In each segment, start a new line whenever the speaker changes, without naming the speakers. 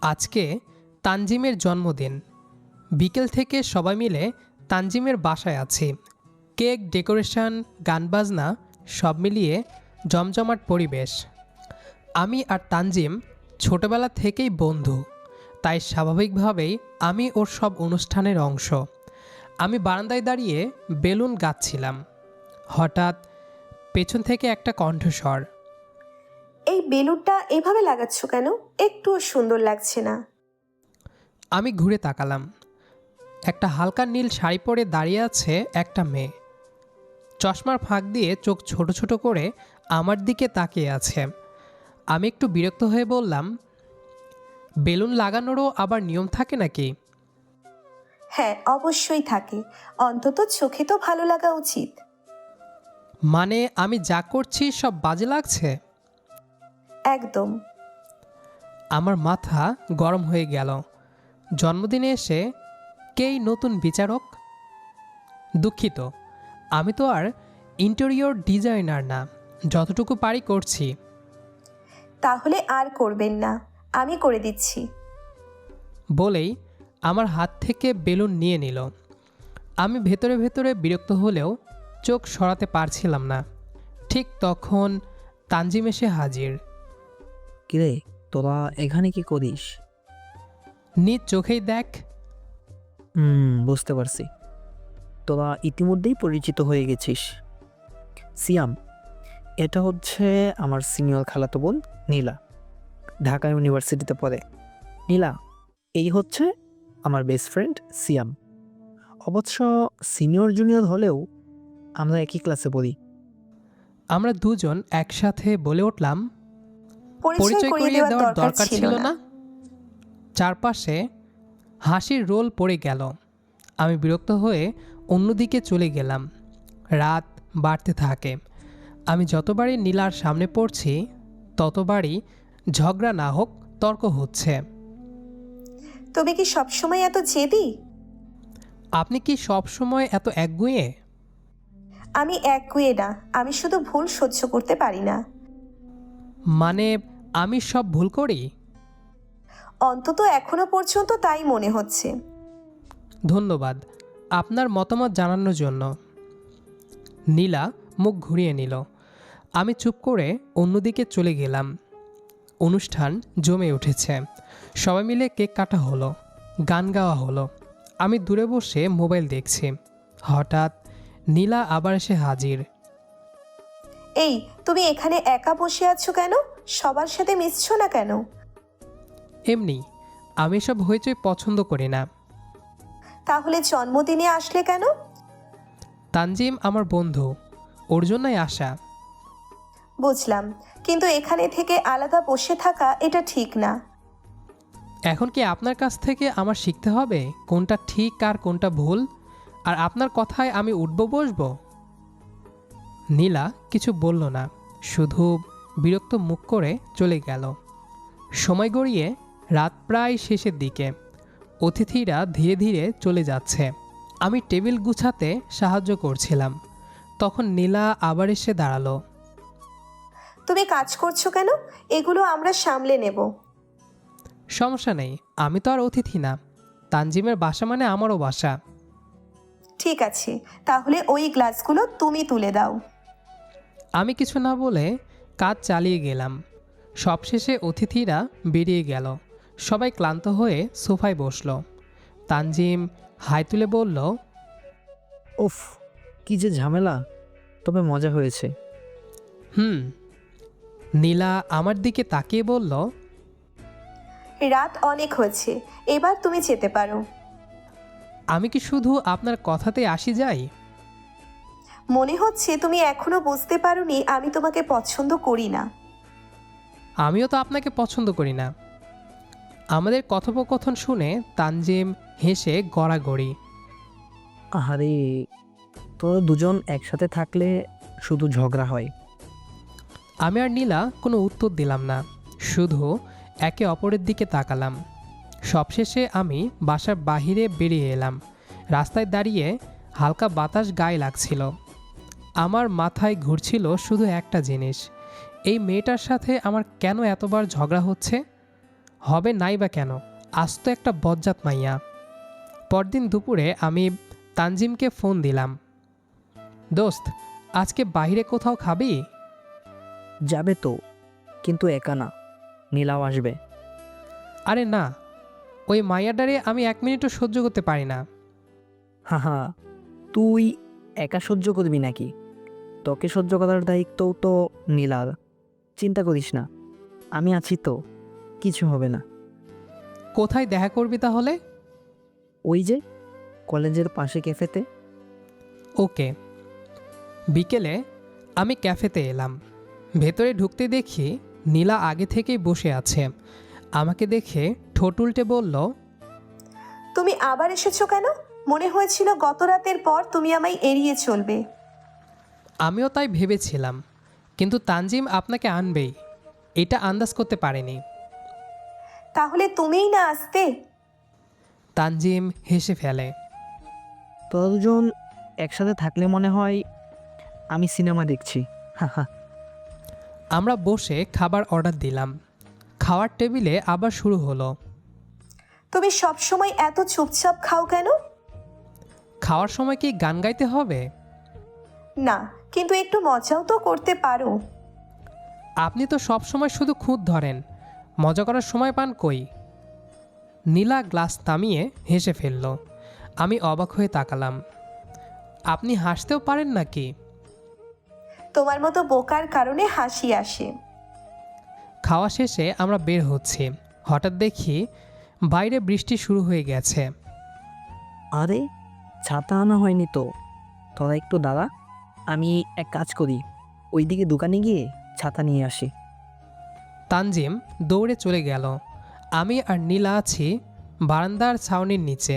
আজকে তানজিমের জন্মদিন। বিকেল থেকে সবাই মিলে তানজিমের বাসায় আছি। কেক, ডেকোরেশন, গান বাজনা সব মিলিয়ে জমজমাট পরিবেশ। আমি আর তানজিম ছোটবেলা থেকেই বন্ধু, তাই স্বাভাবিকভাবেই আমি ওর সব অনুষ্ঠানের অংশ। আমি বারান্দায় দাঁড়িয়ে বেলুন গাচ্ছিলাম। হঠাৎ পেছন থেকে একটা কণ্ঠস্বর।
এই বেলুনটা এভাবে লাগাচ্ছ কেন? একটুও সুন্দর লাগছে না।
আমি ঘুরে তাকালাম। একটা হালকা নীল শাড়ি পরে দাঁড়িয়ে আছে একটা মেয়ে। চশমার ফাঁক দিয়ে চোখ ছোট ছোট করে আমার দিকে তাকিয়ে আছে। আমি একটু বিরক্ত হয়ে বললাম, বেলুন লাগানোরও আবার নিয়ম থাকে নাকি?
হ্যাঁ, অবশ্যই থাকে। অন্তত চোখে তো ভালো লাগা উচিত।
মানে আমি যা করছি সব বাজে লাগছে?
একদম।
আমার মাথা গরম হয়ে গেল। জন্মদিনে এসে কেই নতুন বিচারক? দুঃখিত, আমি তো আর ইন্টেরিয়র ডিজাইনার না, যতটুকু পারি করছি।
তাহলে আর করবেন না, আমি করে দিচ্ছি।
বলেই আমার হাত থেকে বেলুন নিয়ে নিল। আমি ভেতরে ভেতরে বিরক্ত হলেও চোখ সরাতে পারছিলাম না। ঠিক তখন তানজিম এসে হাজির।
কিরে, তোরা এখানে কি করিস?
নিজ চোখেই দেখ।
বুঝতে পারছি। তোরা ইতিমধ্যেই পরিচিত হয়ে গেছিস। সিয়াম, এটা হচ্ছে আমার সিনিয়র খালাতো বোন নীলা, ঢাকা ইউনিভার্সিটিতে পড়ে। নীলা, এই হচ্ছে আমার বেস্ট ফ্রেন্ড সিয়াম। অবশ্য সিনিয়র জুনিয়র হলেও আমরা একই ক্লাসে পড়ি।
আমরা দুজন একসাথে বলে উঠলাম,
পরিচয় করিয়ে দেওয়ার দরকার ছিল না।
চারপাশে হাসির রোল পড়ে গেল। আমি বিরক্ত হয়ে অন্যদিকে চলে গেলাম। রাত বাড়তে থাকে। আমি যতবারই নীলার সামনে পড়ছি ততবারই ঝগড়া না হোক তর্ক হচ্ছে।
তুমি কি সবসময় এত জেদি?
আপনি কি সব সময় এত একগুঁয়ে?
আমি একগুঁয়ে না, আমি শুধু ভুল সহ্য করতে পারি না।
মানে আমি সব ভুল করি?
অন্তত এখনো পর্যন্ত তাই মনে হচ্ছে।
ধন্যবাদ আপনার মতামত জানানোর জন্য। নীলা মুখ ঘুরিয়ে নিল। আমি চুপ করে অন্যদিকে চলে গেলাম। অনুষ্ঠান জমে উঠেছে। সবাই মিলে কেক কাটা হলো, গান গাওয়া হলো। আমি দূরে বসে মোবাইল দেখছি। হঠাৎ নীলা আবার এসে হাজির।
এই, তুমি এখানে একা বসে আছো কেন? সবার সাথে মিশছো না কেন?
এমনি, আমি সব হইচই পছন্দ করি না।
তাহলে জন্মদিনে আসলে কেন?
তানজিম আমার বন্ধু, ওর জন্যই আসা।
বুঝলাম, কিন্তু এখানে থেকে আলাদা বসে থাকা এটা ঠিক না।
এখন কি আপনার কাছ থেকে আমার শিখতে হবে কোনটা ঠিক আর কোনটা ভুল? আর আপনার কথায় আমি উঠব বসবো? নীলা কিছু বলল না, শুধু বিরক্ত মুখ করে চলে গেল। সময় গড়িয়ে রাত প্রায় শেষের দিকে। অতিথিরা ধীরে ধীরে চলে যাচ্ছে। আমি টেবিল গুছাতে সাহায্য করছিলাম। তখন নীলা আবার এসে দাঁড়ালো।
তুমি কাজ করছো কেন? এগুলো আমরা সামলে নেব।
সমস্যা নেই, আমি তো আর অতিথি না। তানজিমের বাসা মানে আমারও বাসা।
ঠিক আছে, তাহলে ওই গ্লাসগুলো তুমি তুলে দাও।
আমি কিছু না বলে কাজ চালিয়ে গেলাম। সবশেষে অতিথিরা বেরিয়ে গেল। সবাই ক্লান্ত হয়ে সোফায় বসল। তানজিম হাই তুলে বলল,
উফ, কি যে ঝামেলা, তবে মজা হয়েছে।
হুম। নীলা আমার দিকে তাকিয়ে বলল,
রাত অনেক হয়েছে, এবার তুমি যেতে পারো।
আমি কি শুধু আপনার কথাতে আসি যাই?
মনে হচ্ছে তুমি এখনো বুঝতে পারোনি আমি তোমাকে পছন্দ করি না।
আমিও তো আপনাকে পছন্দ করি না। আমাদের কথোপকথন শুনে তানজিম হেসে গড়াগড়ি।
আহারে, তোরা দুজন একসাথে থাকলে শুধু ঝগড়া হয়।
আমি আর নীলা কোনো উত্তর দিলাম না, শুধু একে অপরের দিকে তাকালাম। সবশেষে আমি বাসার বাহিরে বেরিয়ে এলাম। রাস্তায় দাঁড়িয়ে হালকা বাতাস গায়ে লাগছিল। আমার মাথায় ঘুরছিল শুধু একটা জিনিস, এই মেয়েটার সাথে আমার কেন এতবার ঝগড়া হচ্ছে? হবে নাই বা কেন, আজ তো একটা বজ্জাত মাইয়া। পরদিন দুপুরে আমি তানজিমকে ফোন দিলাম, দোস্ত আজকে বাইরে কোথাও খাবি?
যাবে তো, কিন্তু একা না, নীলাও আসবে।
আরে না, ওই মাইয়াডারে আমি 1 মিনিটও সহ্য করতে পারি না।
হা হা, তুই একা সহ্য করবি নাকি? তোকে সহ্য করার দায়িত্বও তো নীলার। চিন্তা করিস না, আমি আছি তো, কিছু হবে না।
কোথায় দেখা করবি তাহলে?
ওই যে কলেজের পাশে ক্যাফেতে।
ওকে। বিকেলে আমি ক্যাফেতে এলাম। ভেতরে ঢুকতে দেখি নীলা আগে থেকেই বসে আছে। আমাকে দেখে ঠোঁট উল্টে বলল,
তুমি আবার এসেছো কেন? মনে হয়েছিল গত রাতের পর তুমি আমায় এড়িয়ে চলবে।
আমিও তাই ভেবেছিলাম, কিন্তু তানজিম আপনাকে আনবেই, এটা আন্দাজ করতে পারেনি।
তাহলে তুমিই না আসতে।
তানজিম হেসে ফেলে।
তোরা দুজন একসাথে থাকলে মনে হয় আমি সিনেমা দেখছি। হা হা।
আমরা বসে খাবার অর্ডার দিলাম। খাওয়ার টেবিলে আবার শুরু হলো।
তুমি সবসময় এত চুপচাপ খাও কেন?
খাওয়ার সময় কি গান গাইতে হবে?
না, কিন্তু একটু মজাও তো করতে পারো।
আপনি তো সব সময় শুধু খুঁত ধরেন, মজা করার সময় পান কই? নীলা গ্লাস নামিয়ে হেসে ফেলল। আমি অবাক হয়ে তাকালাম। আপনি হাসতেও পারেন নাকি?
তোমার মতো বোকার কারণে হাসি আসে।
খাওয়া শেষে আমরা বের হচ্ছি, হঠাৎ দেখি বাইরে বৃষ্টি শুরু হয়ে গেছে।
আরে, ছাতা আনা হয়নি তো। তোরা একটু দাঁড়া, আমি এক কাজ করি, ওইদিকে দোকানে গিয়ে ছাতা নিয়ে আসি।
তানজিম দৌড়ে চলে গেল। আমি আর নীলা আছি বারান্দার ছাউনির নিচে।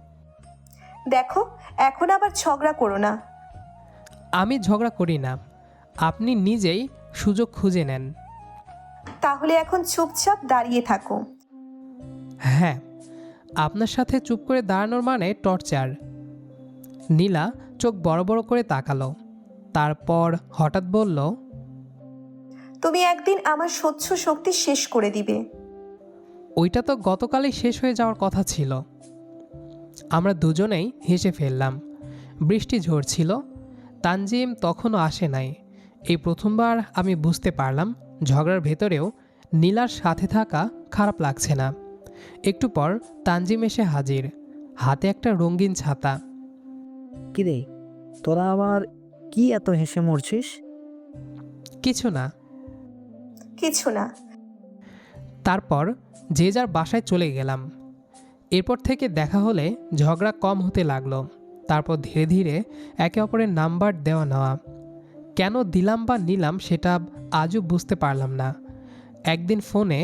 দেখো, এখন আবার ঝগড়া করো না।
আমি ঝগড়া করি না, আপনি নিজেই সুযোগ খুঁজে নেন।
তাহলে এখন চুপচাপ দাঁড়িয়ে থাকো।
হ্যাঁ, আপনার সাথে চুপ করে দাঁড়ানোর মানে টর্চার। নীলা চোখ বড় বড় করে তাকালো, তারপর হঠাৎ বলল,
তুমি একদিন আমার সহ্য শক্তি শেষ করে দিবে।
ওইটা তো গতকালই শেষ হয়ে যাওয়ার কথা ছিল। আমরা দুজনেই হেসে ফেললাম। বৃষ্টি ঝরছিল, তানজিম তখনও আসে নাই। এই প্রথমবার আমি বুঝতে পারলাম ঝগড়ার ভেতরেও নীলার সাথে থাকা খারাপ লাগছে না। একটু পর তানজিম এসে হাজির, হাতে একটা রঙিন ছাতা।
কিরে, তোরা আবার কি এত হেসে মরছিস?
কিছু না।
কিছু না।
তারপর যে যার বাসায় চলে গেলাম। এরপর থেকে দেখা হলে ঝগড়া কম হতে লাগলো। তারপর ধীরে ধীরে একে অপরের নাম্বার দেওয়া নেওয়া। কেন দিলাম বা নিলাম সেটা আজও বুঝতে পারলাম না। একদিন ফোনে,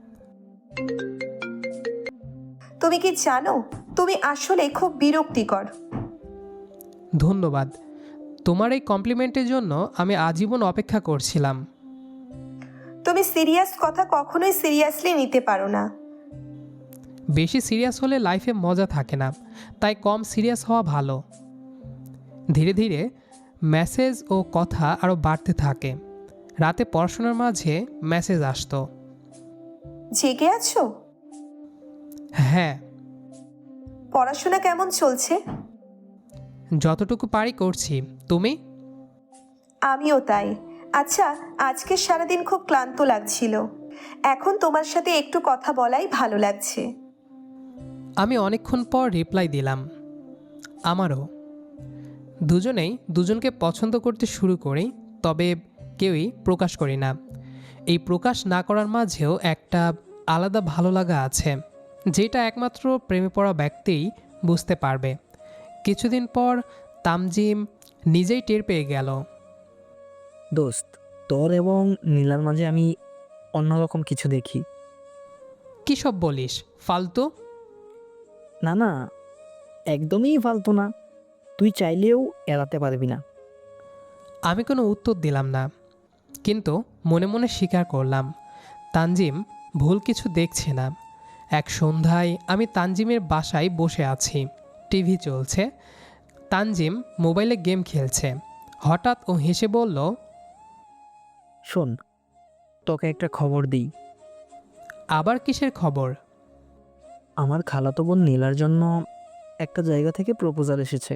তুমি কি জানো, তুমি আসলে খুব বিরক্তিকর।
ধন্যবাদ, তোমার এই কমপ্লিমেন্টের জন্য আমি আজীবন অপেক্ষা করছিলাম।
তুমি সিরিয়াস কথা কখনোই সিরিয়াসলি নিতে পারো না।
বেশি সিরিয়াস হলে লাইফে মজা থাকে না, তাই কম সিরিয়াস হওয়া ভালো। ধীরে ধীরে মেসেজ ও কথা আরও বাড়তে থাকে। রাতে পড়াশোনার মাঝে মেসেজ আসতো।
জেগে আছো?
হ্যাঁ।
পড়াশোনা কেমন চলছে?
যতটুকু পারি করছি। তুমি?
আমিও তাই। আচ্ছা, আজকে সারাদিন খুব ক্লান্ত লাগছিল। এখন তোমার সাথে একটু কথা বলাই ভালো লাগছে।
আমি অনেকক্ষণ পর রিপ্লাই দিলাম, আমারও। দুজনেই দুজনকে পছন্দ করতে শুরু করি, তবে কেউই প্রকাশ করি না। এই প্রকাশ না করার মাঝেও একটা আলাদা ভালো লাগা আছে, যেটা একমাত্র প্রেমে পড়া ব্যক্তিই বুঝতে পারবে। কিছুদিন পর তানজিম নিজেই টের পেয়ে গেল।
দোস্ত, তোর এবং নীলার মাঝে আমি অন্যরকম কিছু দেখি।
কী সব বলিস, ফালতু?
না না, একদমই ফালতু না। তুই চাইলেও এড়াতে পারবি না।
আমি কোনো উত্তর দিলাম না, কিন্তু মনে মনে স্বীকার করলাম তানজিম ভুল কিছু দেখছে না। এক সন্ধ্যায় আমি তানজিমের বাসায় বসে আছি, টিভি চলছে, তানজিম মোবাইলে গেম খেলছে। হঠাৎ ও হেসে বলল,
শোন, তোকে একটা খবর দিই।
আবার কিসের খবর?
আমার খালাতো বোন নীলার জন্য একটা জায়গা থেকে প্রপোজাল এসেছে।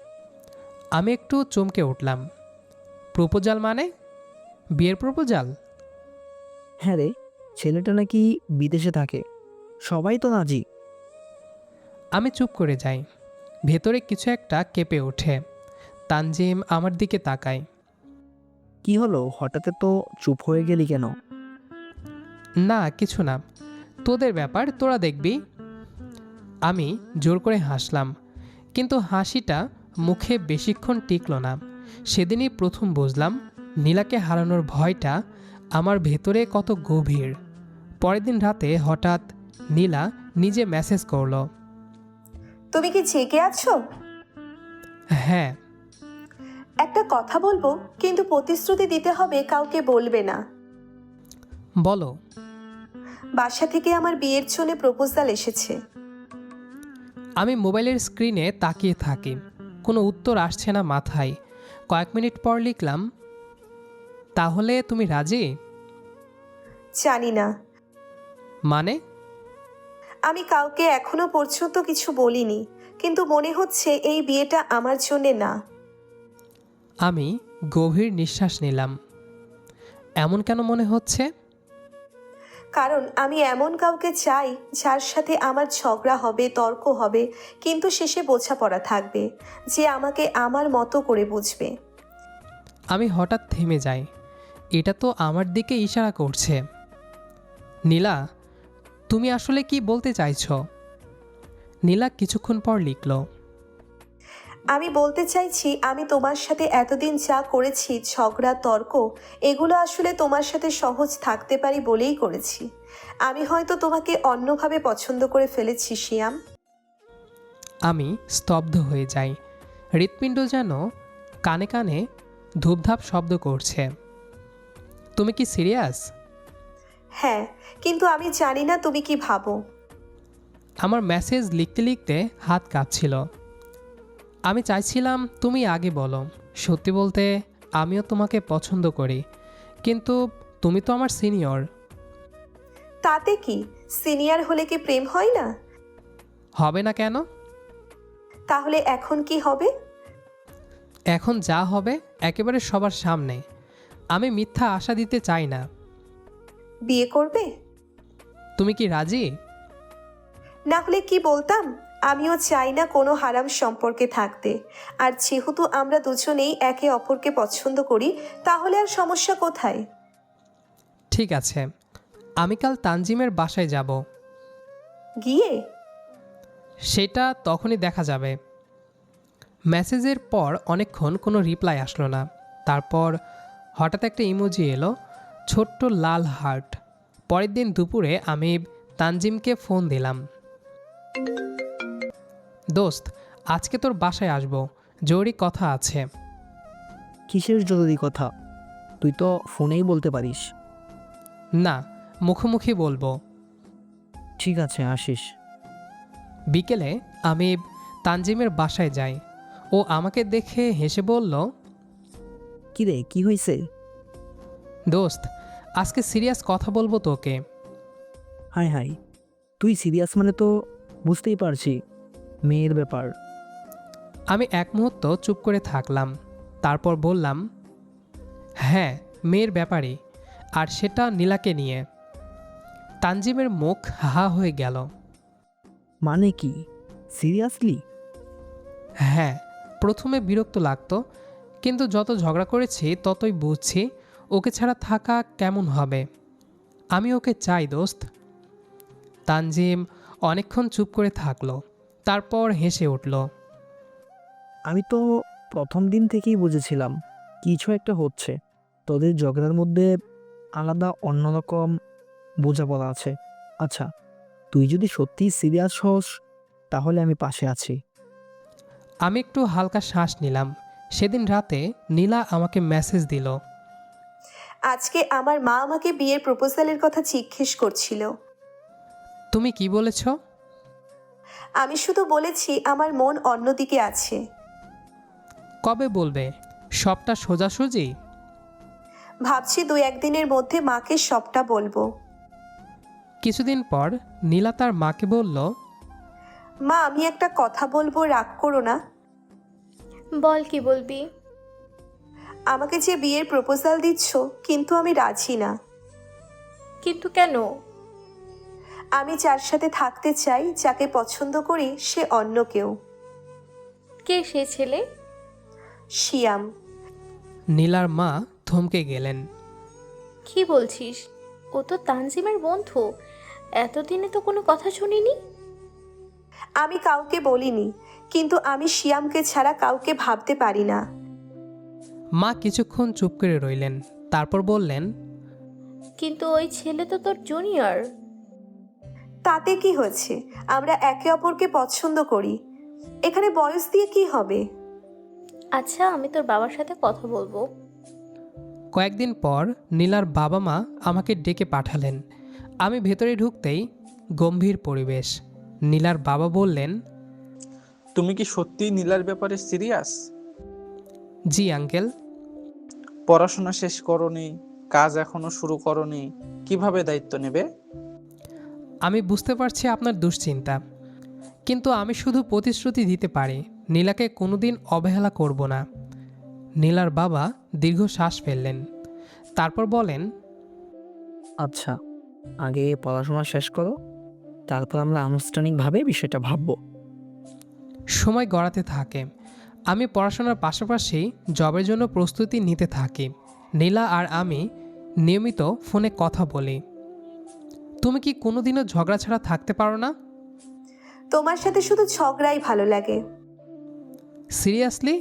আমি একটু চমকে উঠলাম। প্রপোজাল মানে? বিয়ের প্রপোজাল?
হ্যাঁ রে, ছেলেটা নাকি বিদেশে থাকে। সবাই তো রাজি।
আমি চুপ করে যাই। ভেতরে কিছু একটা কেঁপে ওঠে। তানজিম আমার দিকে তাকায়।
কি হলো, হঠাৎ তো চুপ হয়ে গেলি কেন?
না কিছু না, তোদের ব্যাপার, তোরা দেখবি। আমি জোর করে হাসলাম, কিন্তু হাসিটা মুখে বেশিক্ষণ টিকল না। সেদিনই প্রথম বুঝলাম নীলাকে হারানোর ভয়টা আমার ভেতরে কত গভীর। পরের দিন রাতে হঠাৎ নীলা নিজে মেসেজ করলো।
তুমি কি জেগে আছো?
হ্যাঁ।
একটা কথা বলবো, কিন্তু প্রতিশ্রুতি দিতে হবে কাউকে বলবে না।
বলো।
বাসা থেকে আমার বিয়ের জন্য প্রপোজাল এসেছে।
আমি মোবাইলের স্ক্রিনে তাকিয়ে থাকি, কোনো উত্তর আসছে না মাথায়। কয়েক মিনিট পর লিখলাম, তাহলে তুমি রাজি?
জানি না।
মানে?
আমি কাউকে এখনো পর্যন্ত কিছু বলিনি, কিন্তু মনে হচ্ছে এই বিয়েটা আমার জন্যে না।
আমি গভীর নিঃশ্বাস নিলাম। এমন কেন মনে হচ্ছে?
কারণ আমি এমন কাউকে চাই যার সাথে আমার ঝগড়া হবে, তর্ক হবে, কিন্তু শেষে বোঝাপড়া থাকবে, যে আমাকে আমার মতো করে বুঝবে।
আমি হঠাৎ থেমে যাই। এটা তো আমার দিকে ইশারা করছে। নীলা, তুমি আসলে কি বলতে চাইছো? নীলা কিছুক্ষণ পর লিখল,
আমি বলতে চাইছি, আমি তোমার সাথে এতদিন যা করেছি, ঝগড়া, তর্ক, এগুলো আসলে তোমার সাথে সহজ থাকতে পারি বলেই করেছি। আমি হয়তো তোমাকে অন্যভাবে পছন্দ করে ফেলেছি শিয়াম।
আমি স্তব্ধ হয়ে যাই। হৃৎপিণ্ড যেন কানে কানে ধূপধাপ শব্দ করছে। তুমি কি সিরিয়াস?
হ্যাঁ, কিন্তু আমি জানি না তুমি কি ভাবো।
আমার মেসেজ লিখতে লিখতে হাত কাঁপছিল। আমি চাইছিলাম তুমি আগে বলো। সত্যি বলতে আমিও তোমাকে পছন্দ করি, কিন্তু তুমি তো আমার সিনিয়র।
তাতে কি, সিনিয়র হলে কি প্রেম হয় না?
হবে না কেন?
তাহলে এখন কি হবে?
এখন যা হবে একেবারে সবার সামনে। আমি মিথ্যা আশা দিতে চাই না।
বিয়ে করবে?
তুমি কি রাজি?
না হলে কি বলতাম, আমিও চাই না কোনো হারাম সম্পর্কে থাকতে। আর যেহেতু আমরা দুজনেই একে অপরকে পছন্দ করি, তাহলে আর সমস্যা কোথায়?
ঠিক আছে, আমি কাল তানজিমের বাসায় যাব।
গিয়ে?
সেটা তখনই দেখা যাবে। মেসেজের পর অনেকক্ষণ কোনো রিপ্লাই আসলো না। তারপর হঠাৎ একটা ইমোজি এলো, ছোট্ট লাল হার্ট। পরের দিন দুপুরে আমি তানজিমকে ফোন দিলাম। দোস্ত, আজকে তোর বাসায় আসবো, জরুরি কথা আছে।
কিসের জরুরি কথা? তুই তো ফোনেই বলতে পারিস।
না, মুখোমুখি বলবো।
ঠিক আছে, আসিস।
বিকেলে আমি তানজিমের বাসায় যাই। ও আমাকে দেখে হেসে বলল,
কি রে, কি হয়েছে?
দোস্ত, আজকে সিরিয়াস কথা বলবো তোকে।
হাই হাই, তুই সিরিয়াস মানে তো বুঝতেই পারছি, মেয়ের ব্যাপার।
আমি এক মুহূর্ত চুপ করে থাকলাম, তারপর বললাম, হ্যাঁ, মেয়ের ব্যাপারই, আর সেটা নীলাকে নিয়ে। তানজিমের মুখ হা হয়ে গেল।
মানে কি, সিরিয়াসলি?
হ্যাঁ, প্রথমে বিরক্ত লাগতো, কিন্তু যত ঝগড়া করেছি ততই বুঝছি ওকে ছাড়া থাকা কেমন হবে। আমি ওকে চাই দোস্ত। তানজিম অনেকক্ষণ চুপ করে থাকলো, তারপর হেসে উঠল।
আমি তো প্রথম দিন থেকেই বুঝেছিলাম কিছু একটা হচ্ছে। তোদের ঝগড়ার মধ্যে আলাদা অন্যরকম বোঝাপড়া আছে। আচ্ছা, তুই যদি সত্যিই সিরিয়াস হস, তাহলে আমি পাশে আছি।
আমি একটু হালকা শ্বাস নিলাম। সেদিন রাতে নীলা আমাকে মেসেজ দিল।
আজকে আমার মা আমাকে বিয়ের প্রপোজালের কথা জিজ্ঞেস করছিল।
তুমি কি বলেছ?
আমি শুধু বলেছি আমার মন অন্যদিকে আছে।
কবে বলবে? সবটা সোজাসুজি?
ভাবছি 2-1 দিনের মধ্যে মাকে সবটা বলবো।
কিছুদিন পর নীলা তার মাকে বলল,
মা, আমি একটা কথা বলবো, রাগ করো না।
বল, কি বলবি?
আমাকে যে বিয়ের প্রপোজাল দিচ্ছ, কিন্তু আমি রাজি না।
কিন্তু কেন?
আমি যার সাথে থাকতে চাই, যাকে পছন্দ করি, সে অন্য কেউ।
কে সে ছেলে?
শিয়াম।
নীলার মা থমকে গেলেন।
কি বলছিস? ও তো তানজিমের বন্ধু। এতদিনে তো কোনো কথা শুনিনি।
আমি কাউকে বলিনি, কিন্তু আমি শিয়ামকে ছাড়া কাউকে ভাবতে পারি না।
মা কিছুক্ষণ চুপ করে রইলেন, তারপর বললেন,
কিন্তু ওই ছেলে তো তোর জুনিয়র।
তাতে কি হয়েছে? আমরা একে অপরকে পছন্দ করি। এখানে বয়স দিয়ে কি হবে?
আচ্ছা, আমি তোর বাবার সাথে কথা বলবো।
কয়েকদিন পর নীলার বাবা মা আমাকে ডেকে পাঠালেন। আমি ভেতরে ঢুকতেই গম্ভীর পরিবেশ। নীলার বাবা বললেন,
তুমি কি সত্যিই নীলার ব্যাপারে সিরিয়াস?
জি আঙ্কেল।
পড়াশোনা শেষ করনি, কাজ এখনো শুরু করনি, কিভাবে দায়িত্ব নেবে?
আমি বুঝতে পারছি আপনার দুশ্চিন্তা, কিন্তু আমি শুধু প্রতিশ্রুতি দিতে পারি নীলাকে কোনোদিন অবহেলা করব না। নীলার বাবা দীর্ঘ শ্বাস ফেললেন, তারপর বলেন,
আচ্ছা, আগে পড়াশোনা শেষ করো, তারপর আমরা আনুষ্ঠানিকভাবে বিষয়টা ভাববো।
সময় গড়াতে থাকে। আমি পড়াশোনার পাশাপাশি জবের জন্য প্রস্তুতি নিতে থাকি। নীলা আর আমি নিয়মিত ফোনে কথা বলি। তুমি কি কোনোদিনও ঝগড়া ছাড়া থাকতে পারো না?
তোমার সাথে শুধু ঝগড়াই ভালো লাগে।
সিরিয়াসলি?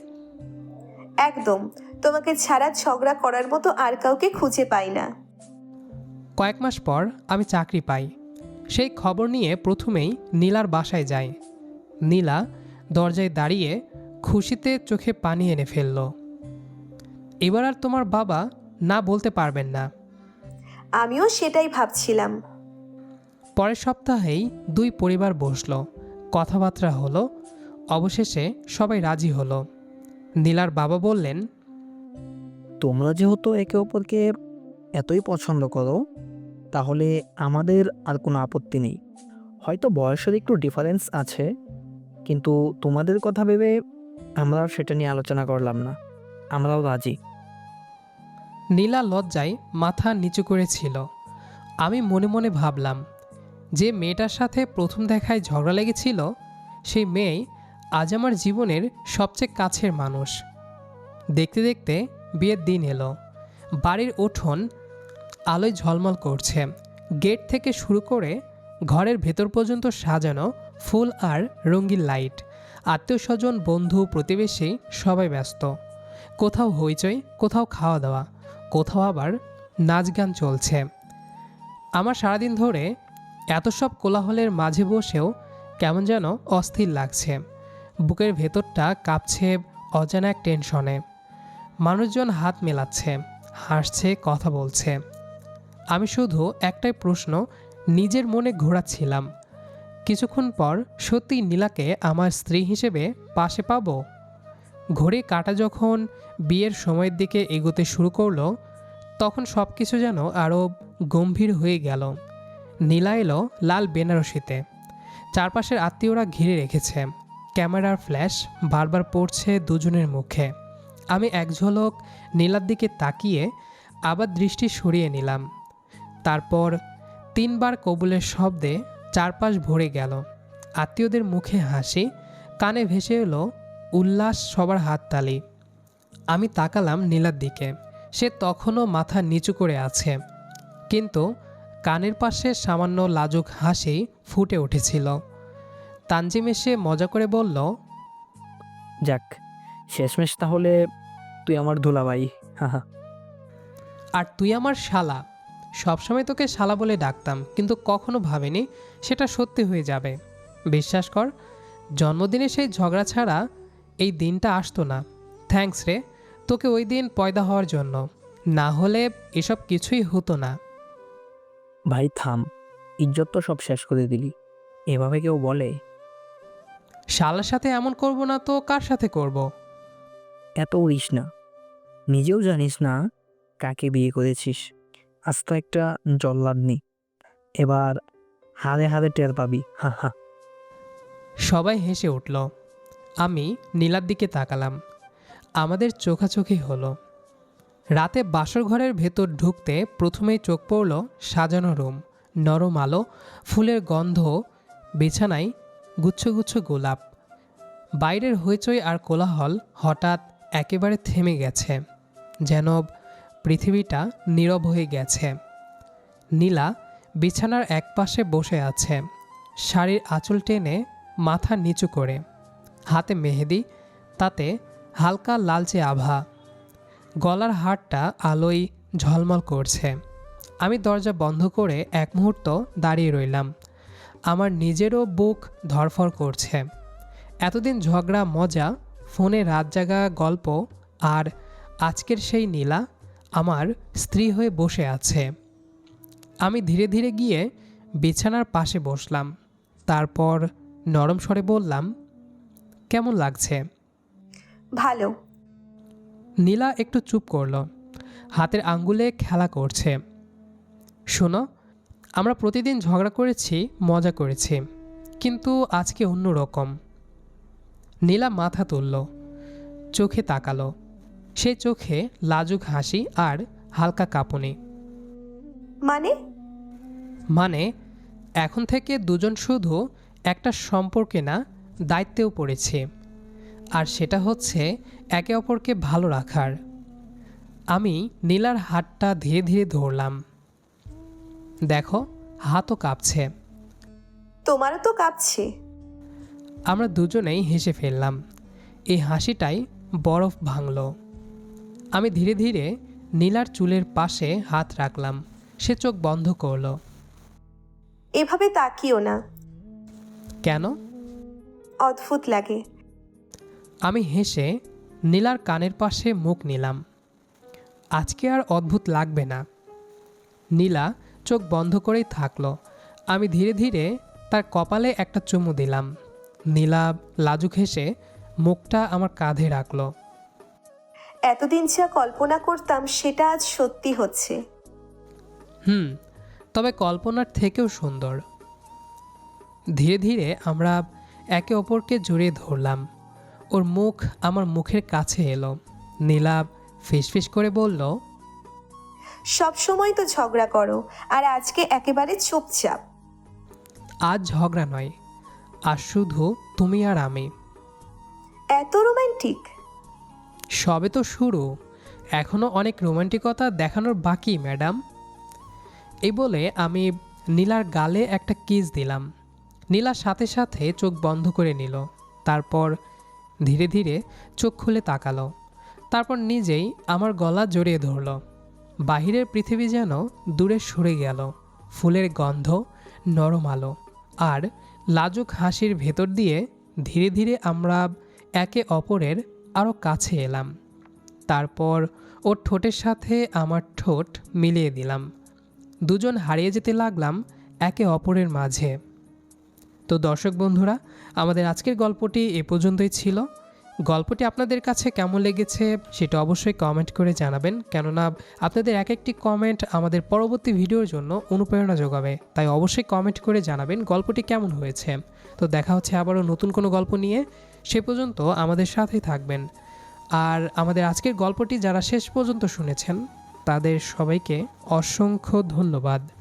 একদম। তোমাকে ছাড়া ঝগড়া করার মতো আর কাউকে খুঁজে পাই না।
কয়েক মাস পর আমি চাকরি পাই। সেই খবর নিয়ে প্রথমেই নীলার বাসায় যাই। নীলা দরজায় দাঁড়িয়ে খুশিতে চোখে পানি এনে ফেলল। এবার আর তোমার বাবা না বলতে পারবেন না।
আমিও সেটাই ভাবছিলাম।
পরের সপ্তাহেই দুই পরিবার বসলো, কথাবার্তা হলো। অবশেষে সবাই রাজি হলো। নীলার বাবা বললেন,
তোমরা যেহেতু একে অপরকে এতই পছন্দ করো, তাহলে আমাদের আর কোনো আপত্তি নেই। হয়তো বয়সের একটু ডিফারেন্স আছে, কিন্তু তোমাদের কথা ভেবে আমরা আর সেটা নিয়ে আলোচনা করলাম না। আমরাও রাজি।
নীলা লজ্জায় মাথা নিচু করেছিল। আমি মনে মনে ভাবলাম, যে মেয়েটার সাথে প্রথম দেখায় ঝগড়া লেগেছিল, সেই মেয়েই আজ আমার জীবনের সবচেয়ে কাছের মানুষ। দেখতে দেখতে বিয়ের দিন এলো। বাড়ির উঠোন আলোয় ঝলমল করছে। গেট থেকে শুরু করে ঘরের ভেতর পর্যন্ত সাজানো ফুল আর রঙিন লাইট। আত্মীয় স্বজন, বন্ধু, প্রতিবেশী সবাই ব্যস্ত। কোথাও হইচই, কোথাও খাওয়া দাওয়া, কোথাও আবার নাচ গান চলছে। আমার সারাদিন ধরে এত সব কোলাহলের মাঝে বসেও কেমন যেন অস্থির লাগছে। বুকের ভেতরটা কাঁপছে অজানা এক টেনশনে। মানুষজন হাত মেলাচ্ছে, হাসছে, কথা বলছে। আমি শুধু একটাই প্রশ্ন নিজের মনে ঘোরাচ্ছিলাম, কিছুক্ষণ পর সত্যি নীলাকে আমার স্ত্রী হিসেবে পাশে পাবো? ঘড়ি কাঁটা যখন বিয়ের সময়ের দিকে এগোতে শুরু করলো, তখন সব কিছু যেন আরও গম্ভীর হয়ে গেল। নীলা এলো লাল বেনারসিতে। চারপাশের আত্মীয়রা ঘিরে রেখেছে। ক্যামেরার ফ্ল্যাশ বারবার পড়ছে দুজনের মুখে। আমি এক ঝলক নীলার দিকে তাকিয়ে আবার দৃষ্টি সরিয়ে নিলাম। তারপর তিনবার কবুলের শব্দে চারপাশ ভরে গেল। আত্মীয়দের মুখে হাসি, কানে ভেসে এলো উল্লাস, সবার হাততালি। আমি তাকালাম নীলার দিকে। সে তখনও মাথা নিচু করে আছে, কিন্তু কানের পাশে সামান্য লাজুক হাসি ফুটে উঠেছিল। তানজিম এসে মজা করে বলল,
যাক, শেষমেশ তাহলে তুই আমার দুলাভাই। হাহা।
আর তুই আমার শালা। সবসময় তোকে শালা বলে ডাকতাম, কিন্তু কখনো ভাবিনি সেটা সত্যি হয়ে যাবে। বিশ্বাস কর, জন্মদিনে সেই ঝগড়া ছাড়া এই দিনটা আসতো না। থ্যাঙ্কস রে তোকে ওই দিন পয়দা হওয়ার জন্য, না হলে এসব কিছুই হতো না।
ভাই থাম, ইজ্জত তো সব শেষ করে দিলি। এভাবে কেউ বলে?
শালার সাথে এমন করব না তো কার সাথে করব?
এত উড়িস না। নিজেও জানিস না কাকে বিয়ে করেছিস। আজ তো একটা জল্লাদনি। এবার হাড়ে হাড়ে টের পাবি, হা হা।
সবাই হেসে উঠল। আমি নীলার দিকে তাকালাম। আমাদের চোখাচোখি হলো। রাতে বাসর ঘরের ভেতর ঢুকতে প্রথমেই চোখ পড়ল সাজানো রুম, নরম আলো, ফুলের গন্ধ, বিছানায় গুচ্ছ গোলাপ। বাইরের হইচই আর কোলাহল হঠাৎ একেবারে থেমে গেছে, যেন পৃথিবীটা নীরব হয়ে গেছে। নীলা বিছানার একপাশে বসে আছে, শাড়ির আঁচল টেনে মাথা নিচু করে, হাতে মেহেদি, তাতে হালকা লালচে আভা। গলার হারটা আলোয় ঝলমল করছে। আমি দরজা বন্ধ করে এক মুহূর্ত দাঁড়িয়ে রইলাম। আমার নিজেরও বুক ধড়ফড় করছে। এতদিন ঝগড়া, মজা, ফোনে রাত জাগা গল্প, আর আজকের সেই নীলা আমার স্ত্রী হয়ে বসে আছে। আমি ধীরে ধীরে গিয়ে বিছানার পাশে বসলাম। তারপর নরম স্বরে বললাম, কেমন লাগছে?
ভালো।
নীলা একটু চুপ করল, হাতের আঙ্গুলে খেলা করছে। শোনো, আমরা প্রতিদিন ঝগড়া করেছি, মজা করেছি, কিন্তু আজকে অন্য রকম। নীলা মাথা তুলল, চোখে তাকালো। সেই চোখে লাজুক হাসি আর হালকা কাঁপুনি। মানে এখন থেকে দুজন শুধু একটা সম্পর্কে না, দায়িত্বেও পড়েছি। আর সেটা হচ্ছে একে অপরকে ভালো রাখার। আমি নীলার হাতটা ধীরে ধীরে ধরলাম। দেখো, হাতও কাঁপছে।
তোমারও তো কাঁপছে।
আমরা দুজনেই হেসে ফেললাম। এই হাসিটাই বরফ ভাঙল। আমি ধীরে ধীরে নীলার চুলের পাশে হাত রাখলাম। সে চোখ বন্ধ করল।
এভাবে তাকিও না।
কেন?
অদ্ভুত লাগে।
আমি হেসে নীলার কানের পাশে মুখ নিলাম। আজকে আর অদ্ভুত লাগবে না। নীলা চোখ বন্ধ করেই থাকলো। আমি ধীরে ধীরে তার কপালে একটা চুমু দিলাম। নীলা লাজুক হেসে মুখটা আমার কাঁধে রাখলো।
এতদিন যা কল্পনা করতাম সেটা আজ সত্যি হচ্ছে।
তবে কল্পনার থেকেও সুন্দর। ধীরে ধীরে আমরা একে অপরকে জড়িয়ে ধরলাম। ওর মুখ আমার মুখের কাছে এলো। নীলা ফিসফিস করে বলল,
সব সময় তো ঝগড়া করো, আর আজকে একেবারে চুপচাপ।
আজ ঝগড়া নয়, আজ শুধু তুমি আর আমি।
এত রোমান্টিক।
সবে তো শুরু, এখনও অনেক রোমান্টিকতা দেখানোর বাকি ম্যাডাম। এই বলে আমি নীলার গালে একটা কিস দিলাম। নীলা সাথে সাথে চোখ বন্ধ করে নিল। তারপর ধীরে ধীরে চোখ খুলে তাকালো। তারপর নিজেই আমার গলা জড়িয়ে ধরল। বাহিরের পৃথিবী যেন দূরে সরে গেল। ফুলের গন্ধ, নরম আলো আর লাজুক হাসির ভেতর দিয়ে ধীরে ধীরে আমরা একে অপরের আরও কাছে এলাম। তারপর ওর ঠোঁটের সাথে আমার ঠোঁট মিলিয়ে দিলাম। দুজন হারিয়ে যেতে লাগলাম একে অপরের মাঝে। তো দর্শক বন্ধুরা, আমাদের আজকের গল্পটি এ পর্যন্তই ছিল। গল্পটি আপনাদের কাছে কেমন লেগেছে সেটা অবশ্যই কমেন্ট করে জানাবেন, কেননা আপনাদের এক একটি কমেন্ট আমাদের পরবর্তী ভিডিওর জন্য অনুপ্রেরণা যোগাবে। তাই অবশ্যই কমেন্ট করে জানাবেন গল্পটি কেমন হয়েছে। তো দেখা হচ্ছে আবারও নতুন কোনো গল্প নিয়ে। সে পর্যন্ত আমাদের সাথেই থাকবেন। আর আমাদের আজকের গল্পটি যারা শেষ পর্যন্ত শুনেছেন তাদের সবাইকে অসংখ্য ধন্যবাদ।